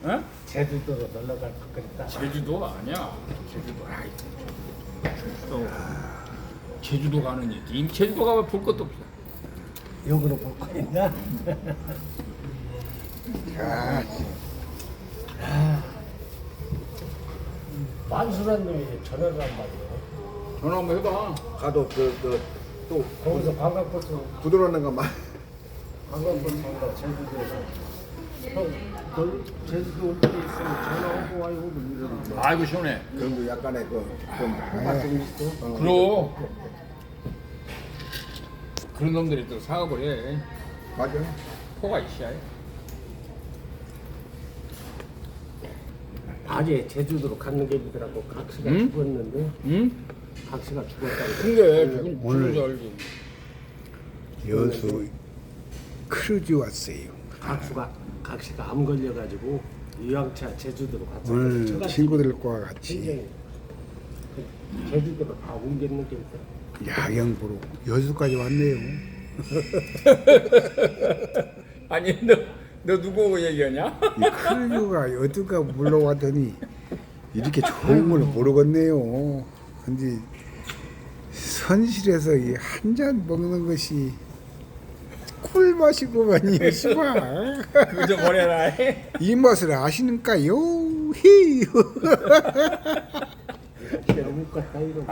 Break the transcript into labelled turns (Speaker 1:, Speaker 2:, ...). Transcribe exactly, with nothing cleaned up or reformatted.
Speaker 1: 어?
Speaker 2: 제주도로 놀러 갈 것 같다.
Speaker 1: 제주도 아니야. 제주도 아이 제주도 제주도 가는 얘기. 제주도 가면 볼 것도 없어.
Speaker 2: 역으로 볼 거 있나?
Speaker 3: 야,
Speaker 2: 만수란 놈이 전화를 한 말이야.
Speaker 1: 전화 한번 해봐.
Speaker 3: 가도 그또
Speaker 2: 거기서 관광버스,
Speaker 3: 부드러운 것만.
Speaker 2: 관광버스 온다, 제주도에서. 형, 너 제주도 올 때 있으면 전화 오고 와요. 이러는 거.
Speaker 1: 아이고 시원해.
Speaker 3: 그런 거 약간의 그좀
Speaker 2: 호가 좀 있어.
Speaker 1: 그럼 그런 놈들이 또 사업을 해.
Speaker 3: 맞아.
Speaker 1: 포가 있어야 해.
Speaker 2: 낮에 제주도로 가는 게 있더라고. 각시가
Speaker 1: 응?
Speaker 2: 죽었는데,
Speaker 1: 응?
Speaker 2: 각시가 죽었다고.
Speaker 1: 근데 죽은
Speaker 4: 오늘-
Speaker 1: 죽은 줄 알지.
Speaker 4: 여수 크루즈 왔어요.
Speaker 2: 각수가, 각시가 암 걸려가지고 유황차 제주도로 갔어.
Speaker 4: 오늘 친구들과 같이
Speaker 2: 굉장히 그 제주도로 다 옮겼는 게 있어.
Speaker 4: 야경 보러 여수까지 왔네요.
Speaker 1: 아니 너 너 누구 얘기하냐?
Speaker 4: 이 크루즈가 어디가 물러왔더니 이렇게 좋은 걸 모르겠네요. 근데 선실에서 이 한 잔 먹는 것이 꿀맛이구만요, 씨발.
Speaker 1: 그거 좀 보내라.
Speaker 4: 이 맛을 아시는가요? 히.
Speaker 2: 너무 껐다 이거.